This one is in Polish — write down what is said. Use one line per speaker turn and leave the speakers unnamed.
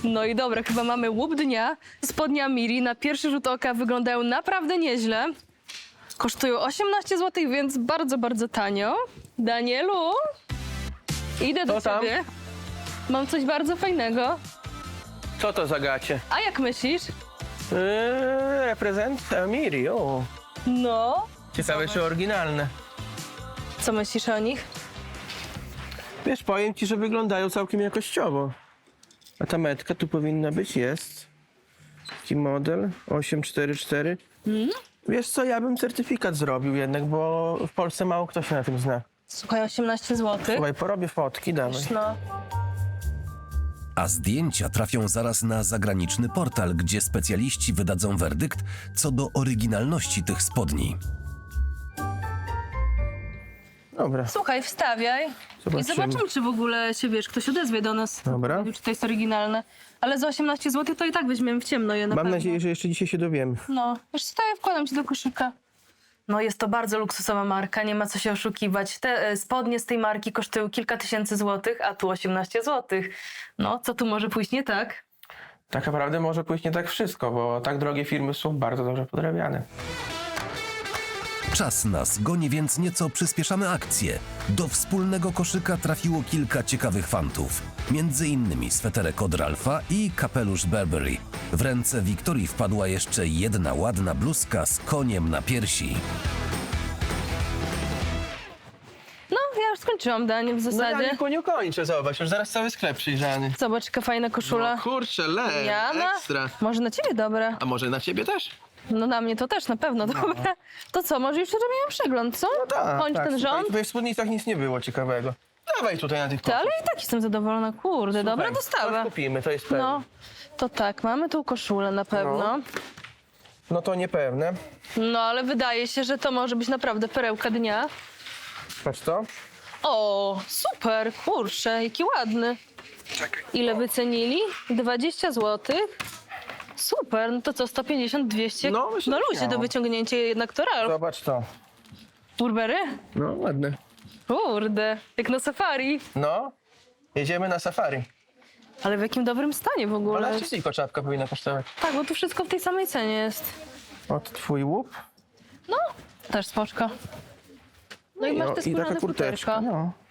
No i dobra, chyba mamy łup dnia. Spodnia Miri na pierwszy rzut oka wyglądają naprawdę nieźle. Kosztują 18 zł, więc bardzo, bardzo tanio. Danielu, idę do
Co tam?
ciebie. Mam coś bardzo fajnego.
Co to za gacie?
A jak myślisz?
Reprezent Miri, o.
No,
Ciekawe, czy oryginalne.
co myślisz o nich?
Wiesz, powiem ci, że wyglądają całkiem jakościowo. A ta metka tu powinna być, jest. Taki model 844. Wiesz co, ja bym certyfikat zrobił jednak, bo w Polsce mało kto się na tym zna.
Słuchaj, 18 zł.
Słuchaj, porobię fotki, dawaj.
No.
A zdjęcia trafią zaraz na zagraniczny portal, gdzie specjaliści wydadzą werdykt co do oryginalności tych spodni.
Dobra,
Słuchaj, wstawiaj.
Zobaczymy.
I zobaczymy, czy w ogóle się, wiesz, ktoś odezwie do nas.
Dobra.
Czy to jest oryginalne. Ale za 18 zł to i tak weźmiemy w ciemno je na
mam
pewno.
nadzieję, że jeszcze dzisiaj się dowiemy.
No, wiesz co, ja wkładam ci do koszyka. No jest to bardzo luksusowa marka, nie ma co się oszukiwać. Te spodnie z tej marki kosztują kilka tysięcy złotych, a tu 18 złotych. No, co tu może pójść nie tak?
Tak naprawdę może pójść nie tak wszystko, bo tak drogie firmy są bardzo dobrze podrabiane.
Czas nas goni, więc nieco przyspieszamy akcję. Do wspólnego koszyka trafiło kilka ciekawych fantów. Między innymi sweterek od Ralpha i kapelusz Burberry. W ręce Wiktorii wpadła jeszcze jedna ładna bluzka z koniem na piersi.
No, ja już skończyłam danie w
No
zasadzie.
ja nie kończę, zobacz, już zaraz cały sklep przyjrzany.
Zobacz, jaka fajna koszula.
No kurczę,
Jana?
ekstra.
Może na ciebie dobra.
A może na ciebie też?
No na mnie to też na pewno dobra. To co, może już zrobimy przegląd, co?
No tak,
Kończ
tak.
ten
Słuchaj,
rząd.
tutaj w spódnicach nic nie było ciekawego. Dawaj tutaj na tych
Ty, ale i tak jestem zadowolona, kurde, dobra
Słuchaj,
dostawa.
coś kupimy, to jest pewne.
No, to tak, mamy tą koszulę na pewno.
No to niepewne.
No, ale wydaje się, że to może być naprawdę perełka dnia.
Patrz to.
O, super, kurczę, jaki ładny. Ile wycenili? 20 zł. Super, no to co, 150, 200?
No, myślę,
no
że
ludzie do
śmiało.
wyciągnięcia jednak to Ralph.
Zobacz to.
Burberry?
No ładne.
Kurde, jak na safari.
No, jedziemy na safari.
Ale w jakim dobrym stanie w ogóle.
12 tylko czapka powinna kosztować.
Tak, bo tu wszystko w tej samej cenie jest.
Od twój łup.
No, też spoczko. No i masz te
i
skórzane
taka kurteczka.
futerka.
No.